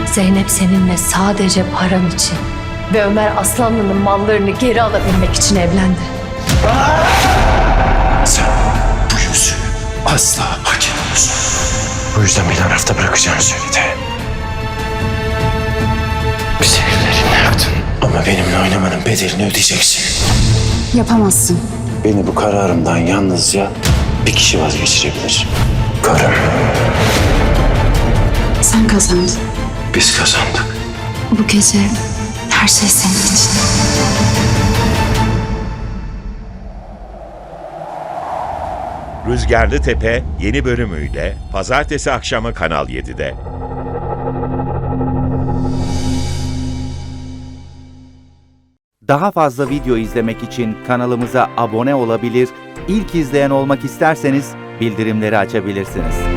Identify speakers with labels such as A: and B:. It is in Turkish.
A: Zeynep seninle sadece param için ve Ömer Aslanlı'nın mallarını geri alabilmek için evlendi.
B: Sen bu yüzü asla hak etmiyorsun. Bu yüzden beni arafta bırakacağını söyledi. Bizi evlerinle yaktın ama benimle oynamanın bedelini ödeyeceksin.
C: Yapamazsın.
B: Beni bu kararımdan yalnızca bir kişi vazgeçirebilir. Karım.
C: Sen kazandın.
B: Biz kazandık.
C: Bu gece her şey senin için.
D: Rüzgarlı Tepe yeni bölümüyle pazartesi akşamı Kanal 7'de.
E: Daha fazla video izlemek için kanalımıza abone olabilir, ilk izleyen olmak isterseniz bildirimleri açabilirsiniz.